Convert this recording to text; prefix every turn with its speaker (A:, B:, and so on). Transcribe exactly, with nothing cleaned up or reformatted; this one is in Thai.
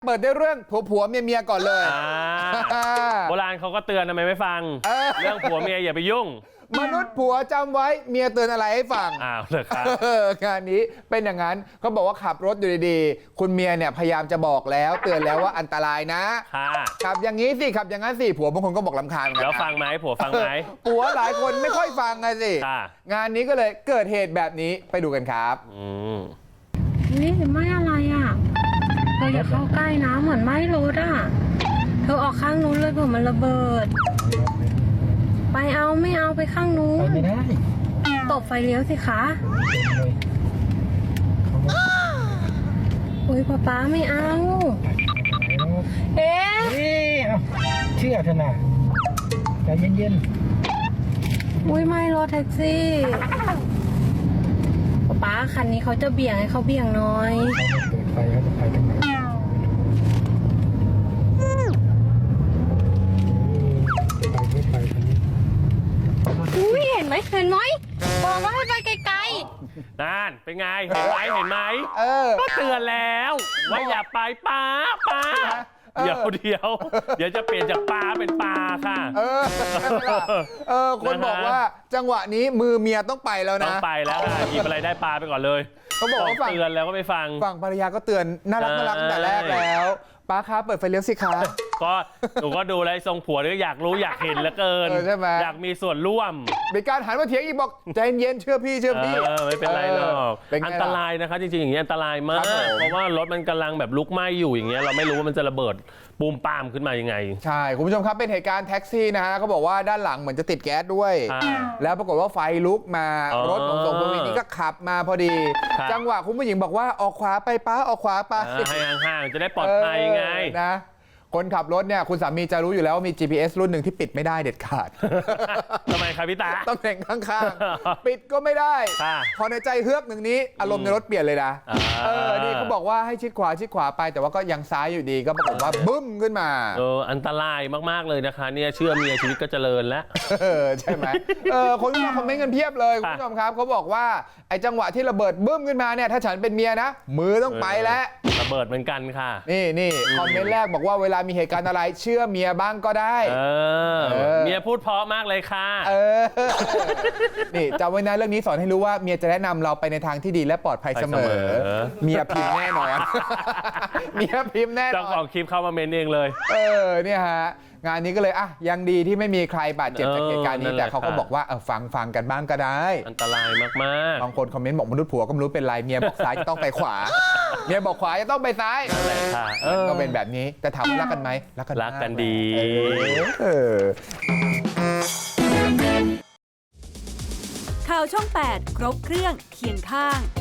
A: เปิดด้วยเรื่องผัวผัวเมียเมียก่อนเลย
B: โบราณเขาก็เตือนทำไมไม่ฟัง เรื่องผัวเมียอย่าไปยุ่ง
A: มนุษย์ผัวจำไว้เมียเตือนอะไรให้ฟัง
B: อ้าวเลยครับ
A: งานนี้เป็นอย่างนั้นเขาบอกว่าขับรถอยู่ดีๆคุณเมียเนี่ยพยายามจะบอกแล้วเตือนแล้วว่าอันตรายนะขับอย่างนี้สิขับอย่างนั้นสิผัวบางคนก็บอกลำคาญกัน
B: แล้วฟังไหมผัวฟังไหม
A: ผัวหลายคนไม่ค่อยฟังไงสิงานนี้ก็เลยเกิดเหตุแบบนี้ไปดูกันครับ
C: นี่ไหม้อะไรอ่ะเธออย่าเข้าใกล้นะเหมือนไหม้รถอ่ะเธอออกข้างนู้นเลยเผื่อมันระเบิดไปเอาไม่เอาไปข้างนู้นไม่ได้ตบไฟเลี้ยวสิคะโอ้ยป๊าป๊าไม่เอาเอ๊ะ
D: เชื่อเถอะนะใจเย็น
C: ๆอุ้ยไม่รถแท็กซี่ป๊าป๊าคันนี้เขาจะเบี่ยงให้เขาเบี่ยงหน่อย
D: เปิดไฟเขาจะไปทางไหน
C: อุ้ยเห็นไหมเห็นไหมบอกว่าให้ไปไกล
B: ๆนั่นเป็นไงเห็นไหมเห็นไหมก็เตือนแล้วว่าอย่าไปป้าป้าเดี๋ยวเดี๋ยวเดี๋ยวจะเปลี่ยนจากปลาเป็นปลาค่ะ
A: เออเออคนบอกว่าจังหวะนี้มือเมียต้องไปแล้วนะ
B: ต้องไปแล้วค่ะหยิบอะไรได้ปลาไปก่อนเลย
A: เขาบอกว่า
B: เตือนแล้วก็ไม่ฟัง
A: ฝั่งภรรยาก็เตือนน่ารักน่ารักตั้งแต่แรกแล้วป้าคะเปิดไฟเลี้ยวสิคะ
B: ก็หนูก็ดูแล้วทรงผัวก็อยากรู้อยากเห็นเหลือเกินอยากมีส่วนร่วม
A: มีการหันมาเถียงอีกบอกใจเย็นเชื่อพี่เชื่อพี่
B: ไม่เป็นไรหรอกอันตรายนะคะจริงๆอย่างนี้อันตรายมากเพราะว่ารถมันกำลังแบบลุกไหม้อยู่อย่างเงี้ยเราไม่รู้ว่ามันจะระเบิดปูมปามขึ้นมายังไง
A: ใช่คุณผู้ชมครับเป็นเหตุการณ์แท็กซี่นะฮะเขาบอกว่าด้านหลังเหมือนจะติดแก๊สด้วยแล้วปรากฏว่าไฟลุกมารถของสองคนนี้ก็ขับมาพอดีจังหวะคุณผู้หญิงบอกว่าออกขวาไปป้าออกขวาไป
B: ให้ห่างๆจะได้ปลอดภัยไง
A: นะคนขับรถเนี่ยคุณสามีจะรู้อยู่แล้วว่ามี จี พี เอส รุ่นหนึ่งที่ปิดไม่ได้เด็ดขาด
B: ทำไมครับพี่ตา
A: ตำแหน่งข้างๆปิดก็ไม่ได้พอในใจเฮือกหนึ่งนี้อารมณ์ในรถเปลี่ยนเลยนะเออนี่เขาบอกว่าให้ชิดขวาชิดขวาไปแต่ว่าก็ยังซ้ายอยู่ดีก็ปรากฏว่าบึ้มขึ้นมา
B: เอออันตรายมากๆเลยนะคะเนี่ยเชื่อเมียชีวิตก็เจริญแล้ว
A: เออใช่ไหมเออคนมาคอมเมนต์กันเพียบเลยคุณผู้ชมครับเขาบอกว่าไอ้จังหวะที่ระเบิดบึ้มขึ้นมาเนี่ยถ้าฉันเป็นเมียนะมือต้องไปแล้ว
B: ระเบิดเหมือนกันค่ะ
A: นี่นี่คอมเมนต์แรกบอกว่าเวลามีเหตุการณ์อะไรเชื่อเมียบ้างก็ได้
B: เออเมียพูดเพราะมากเลยค่ะ
A: เออนี่จำไว้นะเรื่องนี้สอนให้รู้ว่าเมียจะแนะนำเราไปในทางที่ดีและปลอดภัยเสมอเมียพิมพ์แน่นอนเมียพิมพ์แน่นอน
B: เจ้าของคลิปเข้ามาเมนเองเลย
A: เออเนี่ยฮะงานนี้ก็เลยอ่ะยังดีที่ไม่มีใครบาดเจ็บจากเหตุการณ์นี้แต่เขาก็บอกว่าเออฟังฟังกันบ้างก็ได้
B: อันตรายมาก
A: ๆบางคนคอมเมนต์บอกมนุษย์ผัวก็ไม่รู้เป็นไรเมียบอกซ้ายจะต้องไปขวาเมียบอกขวาจะต้องไปซ้ายก็เป็นแบบนี้แต่ถามว่ารักกันไหมรักกัน
B: รักกันดี
E: ข่าวช่องแปดครบเครื่องเคียงข้าง